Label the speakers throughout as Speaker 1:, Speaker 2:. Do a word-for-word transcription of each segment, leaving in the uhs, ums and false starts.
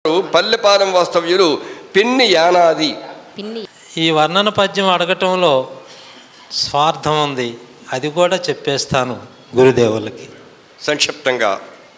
Speaker 1: పల్లెపాలెం వాస్తవ్యులు పిన్ని యానాది.
Speaker 2: ఈ వర్ణన పద్యం అడగటంలో స్వార్థం ఉంది, అది కూడా చెప్పేస్తాను గురుదేవులకి
Speaker 1: సంక్షిప్తంగా.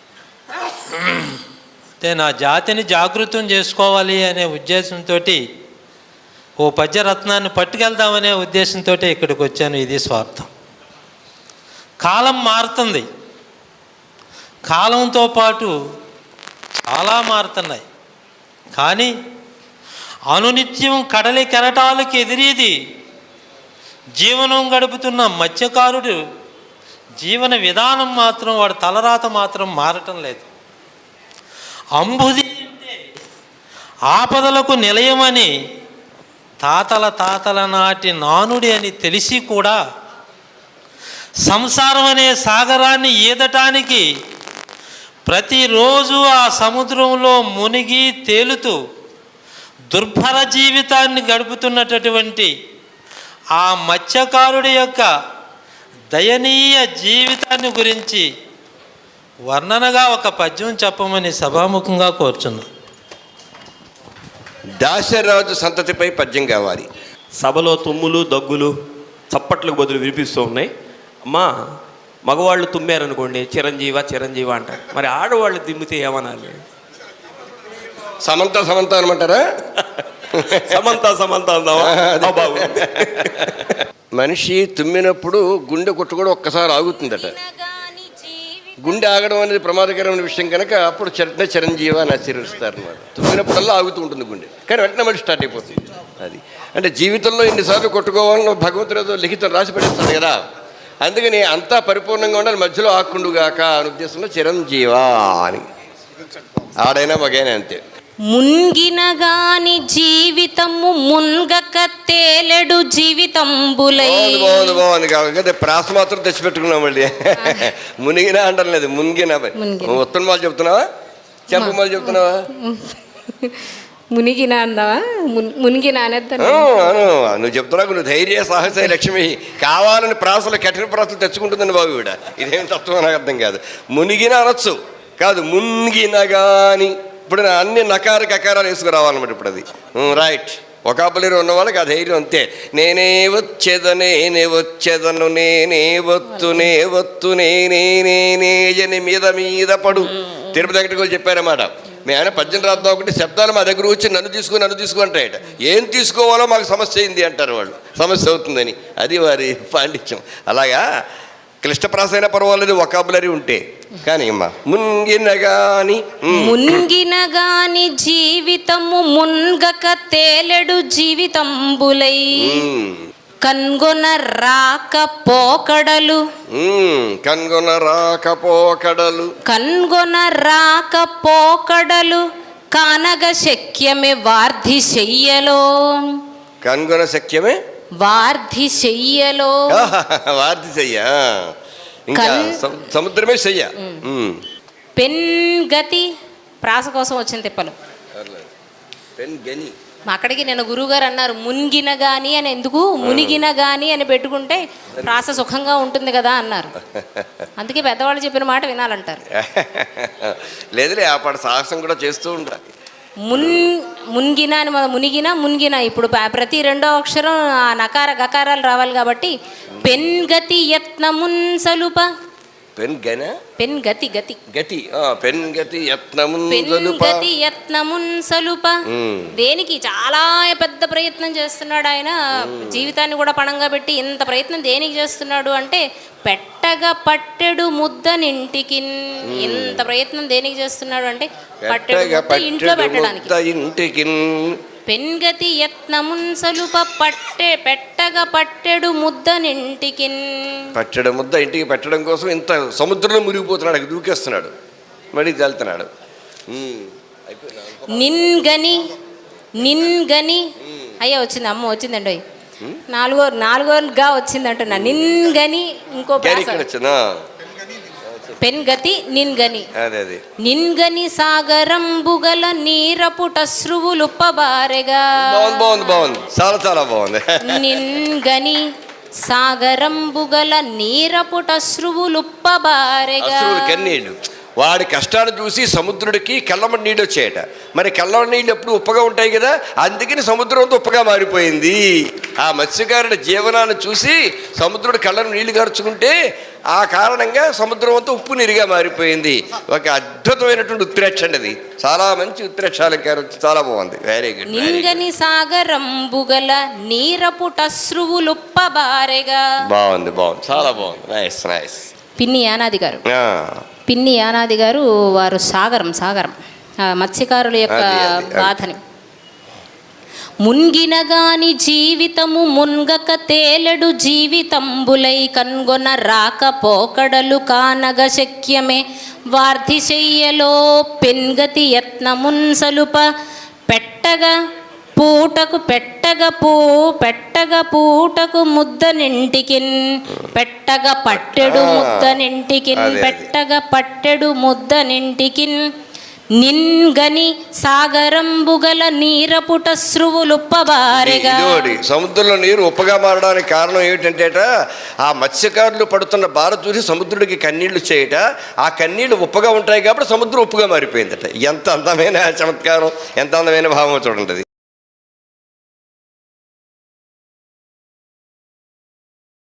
Speaker 2: అంటే నా జాతిని జాగృతం చేసుకోవాలి అనే ఉద్దేశంతో ఓ పద్యరత్నాన్ని పట్టుకెళ్దామనే ఉద్దేశంతో ఇక్కడికి వచ్చాను. ఇది స్వార్థం. కాలం మారుతుంది, కాలంతో పాటు చాలా మారుతున్నాయి. కానీ అనునిత్యం కడలి కెరటాలకు ఎదిరేది జీవనం గడుపుతున్న మత్స్యకారుడు జీవన విధానం మాత్రం, వాడి తలరాత మాత్రం మారటం లేదు. అంబుది అంటే ఆపదలకు నిలయమని తాతల తాతల నాటి నానుడి అని తెలిసి కూడా సంసారం అనే సాగరాన్ని ఈదటానికి ప్రతిరోజు ఆ సముద్రంలో మునిగి తేలుతూ దుర్భర జీవితాన్ని గడుపుతున్నటువంటి ఆ మత్స్యకారుడి యొక్క దయనీయ జీవితాన్ని గురించి వర్ణనగా ఒక పద్యం చెప్పమని సభాముఖంగా కోరుచున్నా.
Speaker 1: దాశరాజు సంతతిపై పద్యం కావాలి.
Speaker 3: సభలో తుమ్ములు దగ్గులు చప్పట్లకు బదులు వినిపిస్తూ ఉన్నాయి. అమ్మా, మగవాళ్ళు తుమ్మారనుకోండి చిరంజీవ చిరంజీవ అంటారు, మరి ఆడవాళ్ళు దిమ్మితే ఏమనాలి?
Speaker 1: సమంత సమంత అనమంటారా?
Speaker 3: సమంత సమంత అందామా? బాబు,
Speaker 1: మనిషి తుమ్మినప్పుడు గుండె కొట్టు కూడా ఒక్కసారి ఆగుతుందట. గుండె ఆగడం అనేది ప్రమాదకరమైన విషయం కనుక అప్పుడు చరణ చిరంజీవ అని ఆశీర్వదిస్తారు అన్నమాట. తుమ్మినప్పుడల్లా ఆగుతూ ఉంటుంది గుండె, కానీ వెంటనే మళ్ళీ స్టార్ట్ అయిపోతుంది. అది అంటే జీవితంలో ఇన్నిసార్లు కొట్టుకోవాలని భగవంతుడు ఏదో లిఖితం రాసి పడేస్తాడు కదా, అందుకని అంతా పరిపూర్ణంగా ఉండాలి, మధ్యలో ఆకుండుగాక అని ఉద్దేశంలో చిరంజీవా అని. ఆడైనా మగైనా అంతే.
Speaker 4: మున్గినగాని జీవితము మున్గక తేలెడు జీవితంబులై.
Speaker 1: బాగుంది బాగుంది కాబట్టి ప్రాస మాత్రం తెచ్చిపెట్టుకున్నాం మళ్ళీ. మునిగినా అంటాం లేదు, మునిగినా. ఉత్తమ వాళ్ళు చెప్తున్నావా, చెప్పమాలు చెప్తున్నావా?
Speaker 4: మునిగిన అందావా? మునిగిన అనేద్దాను.
Speaker 1: నువ్వు చెప్తున్నావు, నువ్వు ధైర్య సాహస లక్ష్మి కావాలని ప్రాసలు కఠిన ప్రాసలు తెచ్చుకుంటుందని బాబు ఈవిడ. ఇదేం తత్వం నాకు అర్థం కాదు. మునిగిన అనొచ్చు కాదు, మునిగినగాని. ఇప్పుడు అన్ని నకార కకారాలు వేసుకురావాలన్నమాట ఇప్పుడు. అది రైట్. ఒకాపలేరు ఉన్న వాళ్ళకి ఆ ధైర్యం అంతే. నేనే వచ్చేదనే నేనే వచ్చేదను నేనే వత్తు నే వత్తు నేనే నేనే జని మీద మీద పడు. తిరుపతి వెంకటగోలు చెప్పారన్నమాట. మీ ఆయన పద్యం రాద్దాం ఒకటి శబ్దాలు మా దగ్గర వచ్చి నన్ను తీసుకుని నన్ను తీసుకు అంటాయట. ఏం తీసుకోవాలో మాకు సమస్య అయింది అంటారు వాళ్ళు, సమస్య అవుతుందని. అది వారి పాండిత్యం. అలాగా క్లిష్టప్రాస అయినా పర్వాలేదు వొకాబులరీ ఉంటే. కానీ అమ్మా మున్గినగాని
Speaker 4: మున్గినగాని జీవితము మున్గక తేలెడు జీవితంబులై. కన్గొన రాక పోకడలు
Speaker 1: కన్గొన రాక పోకడలు
Speaker 4: కన్గొన రాక పోకడలు కానగ శక్యమే వార్ధి శయ్యలో.
Speaker 1: కన్గొన శక్యమే
Speaker 4: వార్ధి శయ్యలో.
Speaker 1: వార్ధి శయ్య ఇంకా సముద్రమే శయ్య.
Speaker 4: పెన్ గతి ప్రాస కోసం వచ్చిన తిప్పలు.
Speaker 1: పెన్ గని
Speaker 4: అక్కడికి నేను గురువుగారు అన్నారు మునిగిన గాని అని, ఎందుకు మునిగిన గాని అని పెట్టుకుంటే ప్రాస సుఖంగా ఉంటుంది కదా అన్నారు. అందుకే పెద్దవాళ్ళు చెప్పిన మాట వినాలంటారు.
Speaker 1: లేదులే, ఆ పాట సాహసం కూడా చేస్తూ ఉండాలి.
Speaker 4: మున్ మునిగిన అని మునిగిన మునిగిన ఇప్పుడు ప్రతి రెండో అక్షరం ఆ నకార గకారాలు రావాలి కాబట్టి పెన్ గతి యత్నమున్ సలుప.
Speaker 1: పెన్ గన
Speaker 4: పెన్ గతి గతి
Speaker 1: గతి పెన్ గతి యత్నమున్
Speaker 4: పెన్ గతి యత్నమున్ సలుప. దేనికి చాలా పెద్ద ప్రయత్నం చేస్తున్నాడు ఆయన, జీవితాన్ని కూడా పణంగా పెట్టి ఇంత ప్రయత్నం దేనికి చేస్తున్నాడు అంటే పెట్టగా పట్టెడు ముద్దనింటికి. ఇంత ప్రయత్నం దేనికి చేస్తున్నాడు అంటే పట్టెడు ముద్ద ఇంట్లో పెట్టడానికి. పెన్గతి యత్నమున్ సలుప పట్టె పెట్టగా పట్టెడు ముద్దనింటికి.
Speaker 1: పట్టెడు ముద్ద ఇంటికి పెట్టడం కోసం ఇంత సముద్రంలో మునిగిపోతున్నాడు, అక్కడ దూకేస్తున్నాడు, మళ్ళీ వెళ్తున్నాడు.
Speaker 4: నిన్గని నిన్గని అయ్యా వచ్చింది, అమ్మ వచ్చిందండి. నాలుగో నాలుగోగా వచ్చింది అంటున్నా. నిన్గని ఇంకో పెన్గతి నిన్గని. నిన్గని సాగరంబుగల నీరపుటశ్రువులుప్పబారెగా.
Speaker 1: బాగుంది బాగుంది, చాలా చాలా బాగుంది.
Speaker 4: నిన్గని సాగరంబుగల నీరపుటశ్రువులుప్పబారెగా.
Speaker 1: కన్నీళ్ళు వాడి కష్టాలు చూసి సముద్రుడికి కళ్ళమటి నీళ్ళు వచ్చాయట. మరి కళ్ళమటి నీళ్ళు ఎప్పుడు ఉప్పగా ఉంటాయి కదా, అందుకని సముద్రం అంతా ఉప్పగా మారిపోయింది. ఆ మత్స్యకారుడి జీవనాన్ని చూసి సముద్రుడు కళ్ళను నీళ్లు గార్చుకుంటే ఆ కారణంగా సముద్రం అంతా ఉప్పు నీరుగా మారిపోయింది. ఒక అద్భుతమైనటువంటి ఉత్ప్రేక్ష అండి అది. చాలా మంచి ఉత్ప్రేక్షాలంకారం, చాలా బాగుంది. Very good.
Speaker 4: నింగని సాగరంబుగల నీరపుటశ్రువులుప్పబారెగా.
Speaker 1: బాగుంది బాగుంది, చాలా బాగుంది. Nice nice.
Speaker 4: పిన్ని యానాది గారు పిన్ని యానాది గారు వారు సాగరం సాగరం ఆ మత్స్యకారుల యొక్క
Speaker 1: అది, అది, అది.
Speaker 4: బాధని మున్గినగాని జీవితము మున్గక తేలెడు జీవితంబులై కన్గొన రాక పోకడలు కానగ శక్యమే వార్ధి చెయ్యలో పెన్గతి యత్నమున్ సలుప పెట్టగా పూటకు పెట్టగ పూ పెట్టగ పూటకు ముద్ద నింటికిన్ పెట్టగ పట్టెడు ముద్ద నింటికిన్ పెట్టగ పట్టెడు ముద్ద నింటికిన్ నిన్గని సాగరంబుగల నీరపుటశ్రువులుప్పబారెగా.
Speaker 1: ఇదిగోటి సముద్రంలో నీరు ఉప్పగా మారడానికి కారణం ఏమిటంటేట, ఆ మత్స్యకారులు పడుతున్న బాధ చూసి సముద్రుడికి కన్నీళ్లు చేయట. ఆ కన్నీళ్లు ఉప్పగా ఉంటాయి కాబట్టి సముద్రం ఉప్పుగా మారిపోయిందట. ఎంత అందమైన చమత్కారం, ఎంత అందమైన భావం చూడండి.